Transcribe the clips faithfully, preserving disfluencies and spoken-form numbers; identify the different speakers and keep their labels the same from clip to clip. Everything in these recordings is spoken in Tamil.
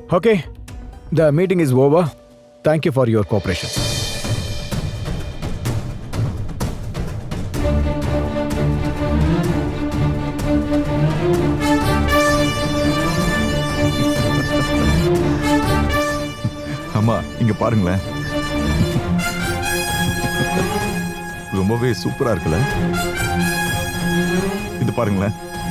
Speaker 1: Okay, the meeting is over. Thank you for your cooperation.
Speaker 2: அம்மா இங்க பாருங்களேன், ரொம்பவே சூப்பரா இருக்குல்ல? இது பாருங்களேன்.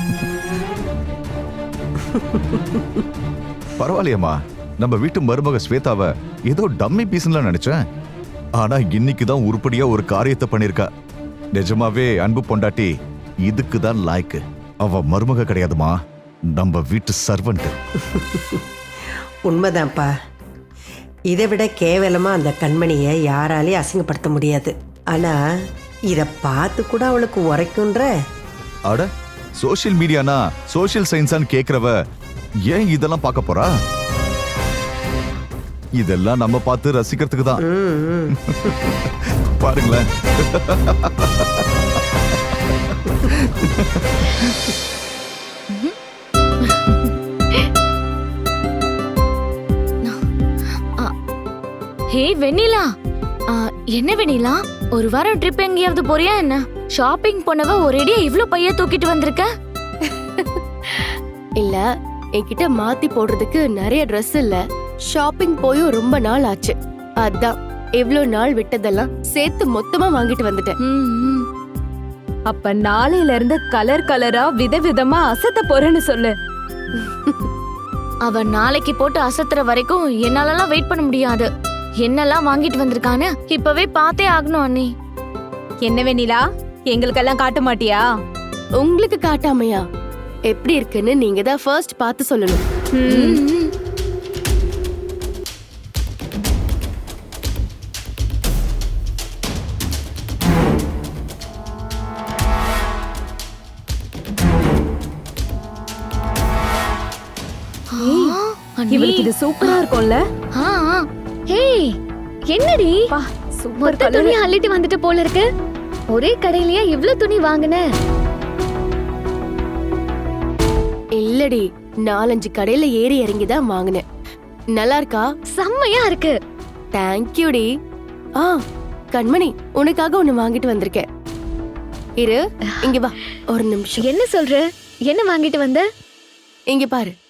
Speaker 2: பரவாயில்லையம்மா, நம்ம வீட்டு மருமக ஸ்வேதாவை ஏதோ டம்மி பீஸ்ல நினைச்சேன். ஆனா இன்னைக்கு தான் உருப்படியா ஒரு காரியத்தை பண்ணிருக்கா. நிஜமாவே அன்பு பொண்டாட்டி இதுக்கு தான் லாய்க்கு. அவ மருமக கிடையாதுமா, நம்ம வீட்டு சர்வன்ட்.
Speaker 3: உண்மைதான்ப்பா. இதை விட கேவலமா அந்த கண்மணியை யாராலையும் அசிங்கப்படுத்த முடியாது. ஆனா இத பார்த்து கூட அவளுக்கு உரைக்குன்ற.
Speaker 2: அட, சோஷியல் மீடியானா சோஷியல் சயின்ஸான்னு கேக்குறவ ஏன் இதெல்லாம் பார்க்க போறா? இதெல்லாம் நம்ம பார்த்து ரசிக்கிறதுக்கு தான். பாருங்களேன்.
Speaker 4: ஹே வெண்ணிலா, என்ன வெண்ணிலா, ஒரு வாரம் ட்ரிப் எங்கேயாவது போறியா என்ன? ஷாப்பிங் போனவ ஒரேடியா இவ்ளோ பைய தூக்கிட்டு வந்திருக்க?
Speaker 5: இல்ல, என்கிட்ட மாத்தி போடுறதுக்கு நிறைய ட்ரெஸ் இல்ல. ஷாப்பிங் போயும் ரொம்ப நாள் ஆச்சு. அதான் இவ்ளோ நாள் விட்டதெல்லாம் சேர்த்து மொத்தமா வாங்கிட்டு வந்துட்டேன்.
Speaker 6: அப்ப நாளையில இருந்து கலர் கலரா விதவிதமா அசத்த போறேன்னு சொல்லு.
Speaker 4: அவ நாளைக்கு போட்டு அசத்துற வரைக்கும் என்னாலலாம் வெயிட் பண்ண முடியாது. என்னெல்லாம் வாங்கிட்டு வந்திருக்கான்னு இப்பவே பார்த்தே ஆகணும் அண்ணி.
Speaker 6: என்ன வெண்ணிலா, எங்களுக்கெல்லாம் காட்ட மாட்டியா?
Speaker 5: உங்களுக்கு காட்டாமையா? எப்படி இருக்குன்னு நீங்க தான் ஃபர்ஸ்ட் பார்த்து சொல்லணும்.
Speaker 6: இவளுக்கு இது சூப்பரா இருக்கும்ல?
Speaker 7: ஹே, என்னடி
Speaker 6: சூப்பர்
Speaker 7: மொத்த துணி அள்ளிட்டு வந்துட்டு போல இருக்கு. ஒரே கடையிலயா இவ்ளோ துணி வாங்குன?
Speaker 5: இல்லடி, நாலஞ்சு கடையில ஏறி இறங்கி தான் வாங்கினேன். நல்லா இருக்கா?
Speaker 7: செம்மையா இருக்கு.
Speaker 5: தேங்க்யூடி. ஆ கண்மணி, உனக்காக ஒண்ணு வாங்கிட்டு வந்திருக்கேன். இரு, இங்க வா ஒரு நிமிஷம்.
Speaker 7: என்ன சொல்ற? என்ன வாங்கிட்டு வந்த?
Speaker 5: இங்க பாரு.